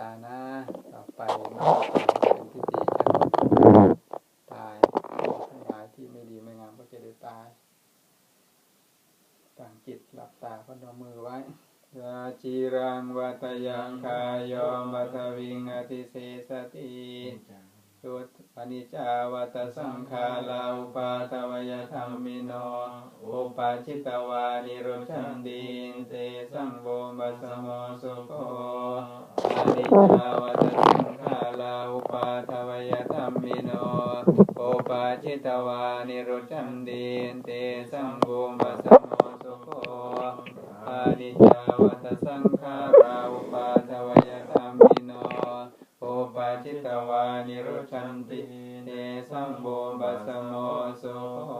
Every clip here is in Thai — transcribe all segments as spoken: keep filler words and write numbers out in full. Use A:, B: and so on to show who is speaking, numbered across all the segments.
A: านะต่อไปน้องเป็นพิธีกันตายทั้งหลายที่ไม่ดีไม่งามก็จะได้ตายตั้งจิตหลับตาพนมมือไว้ยาจีรังวัตยังคายอมัทวิงอติเสสติสุตปนิจาวัตสังขาลาอุปาทวยธรรมิโนอุปาชิตวานิโรชันติเตสังโวมัสโมสุโขปนิจาวัตสังขาลาอุปาทวยธรรมิโนอุปาชิตวานิโรชันติเตสังโวมัสโมสุโขปนิจาวัตสังขาลาอุปาทวยธรรมิโนโอปาจิตวานิโรชันติเนสัมโบบัสโมโส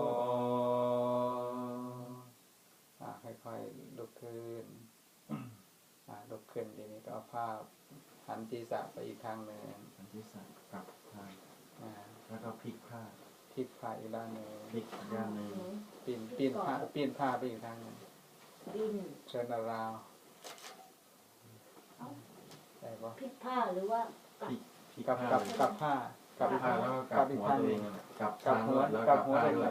A: ค่อยๆลุกขึ้นลุกขึ้นทีนี้ก็เอาผ้าหันศีรษะไปอีกทางหนึ่ง
B: หันศีรษะกลับทางแล้วก็พลิกผ้า
A: พลิกผ้าอีกด้านหนึ่ง
B: พลิกด้านหนึ่ง
A: ปีนปีนผ้าปีนผ้าไปอีกทางหนึ่งเชิญราวได้ปะ
C: พลิกผ้าหรือว่า
A: กับกับกับผ้า
B: กับผ้าแล้วก็กับหัวตัวเองกับกับหัวแล้วกับผ้าด้วย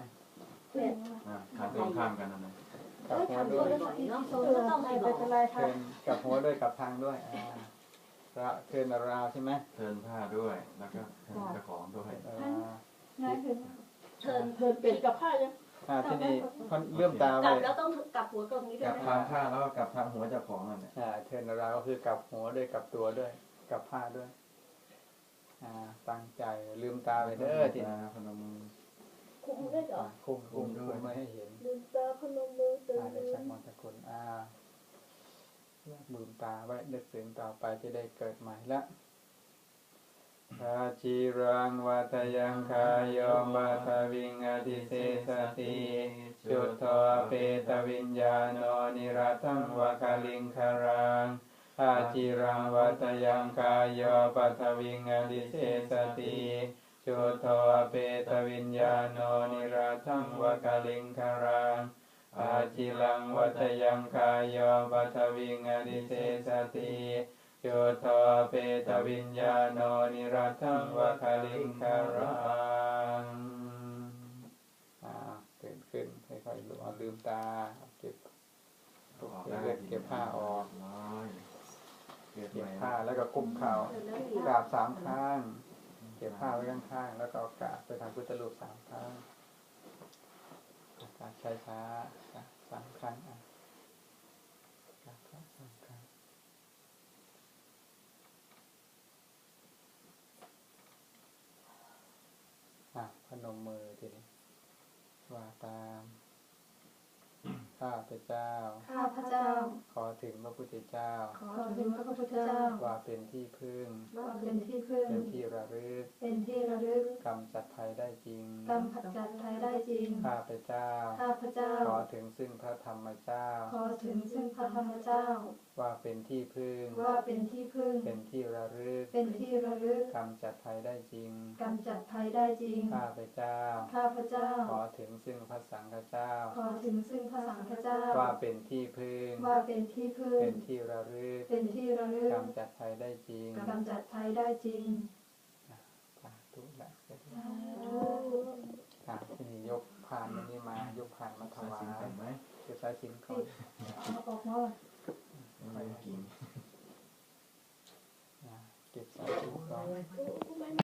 B: ขาตรงข้ามกันนั่นเอง
A: กับหัวด้วย
C: ต้องให้เป็นอะไร
A: เทินกับหัวด้วยกับทางด้วยอ่าเทินราวใช่ไหม
B: เทินผ้าด้วยแล้วก็เทินกระของด้วย
C: ง่ายคือเทิน
D: เทินเป็นกับผ้ายัง
A: อ่าที่นี่เลื่อมตาไว้
C: แล้วต้องกับหัวตรงนี้ด้วย
B: กับทางผ้าแล้วก็กับทางหัวเจ้าของนั่นแหละ
A: อ่าเทินราวก็คือกับหัวด้วยกับตัวด้วยกับผ้าด้วยอ่าตั้งใจลืมตาไปเด้อทีนี้
B: พนมมือ
C: คุมด้วยเหรอ
A: คุมคุมด้วยไม่ให้เห็น
C: ลืมตาพนมมือตื่น
A: อ่าได้สักมนตะกุลอ่าลืมตาไว้นึกถึงต่อไปจะได้เกิดใหม่ละอาจิรังวัตยังคายอมัทวิงอติเสสติจุตโตเปตวิญญาโนนิรัตังวะคลิงคารังอาจิรังวัตยังคายอปัทวิงอติเสสติจุตโตเปตวิญญาโนนิรัตังวะคลิงคารังอาจิรังวัตยังคายอปัทวิงอติเสสติจุตโตเปตวิญญาโนนิรัตังวะคลิงคารังอ่าตื่นขึ้นค่อยๆลืมตาเก็บเลือดเก็บผ้าออกเก็บผ้าแล้วก็กุมเข่ากราบสามครั้งเก็บผ้าไว้ข้างๆแล้วก็กราบไปทางพุทธรูปสามครั้งกราบช้าๆสามครั้งอ่ะกราบสามครั้งอ่ะพนมมือทีนี้ว่าตามข้าพเจ้า
C: ข้าพเจ้า
A: ขอถึงพระพุทธเจ้า
C: ขอถึงพระพุทธเจ้า
A: ว่าเป็นที่พึ่ง
C: ว่าเป็นที่พึ่ง
A: เป็นที่ระลึก
C: เป็นที่ระลึก
A: กำจัดภัยได้จริง
C: กำจัดภัยได้จริง
A: ข้าพเจ้า
C: ข้าพเจ้า
A: ขอถึงซึ่งพระธรรมเจ้า
C: ขอถึงซึ่งพระธรรมเจ้า
A: ว่าเป็นที่พึ่ง
C: ว่าเป็นที่พึ่ง
A: เป็นที่ระลึก
C: เป็นที่ระลึก
A: กำจัดภัยได้จริง
C: กำจัดภัยได้จริง
A: ข้าพเจ้า
C: ข้าพเจ้า
A: ขอถึงซึ่งพระสังฆเจ้า
C: ขอถึงซึ่งพระสังฆเจ้า
A: ว่าเป็นที่พึ่ง
C: ว่าเป็นที่พึ่ง
A: เป็นที่ระลึก
C: เป็นที่ระลึก
A: กำจัดภัยได้จริง
C: กำจัดภัยได้จริง
A: สาธุละอ่าที่นี่ยกผ่านมันนี่มายกผ่านมาถวาย
B: ไหม
A: เก็บสายสิญจน์ก่อน
C: ออกมา
B: ไม่กิน
A: เก็บสายสิญจน์ก่อน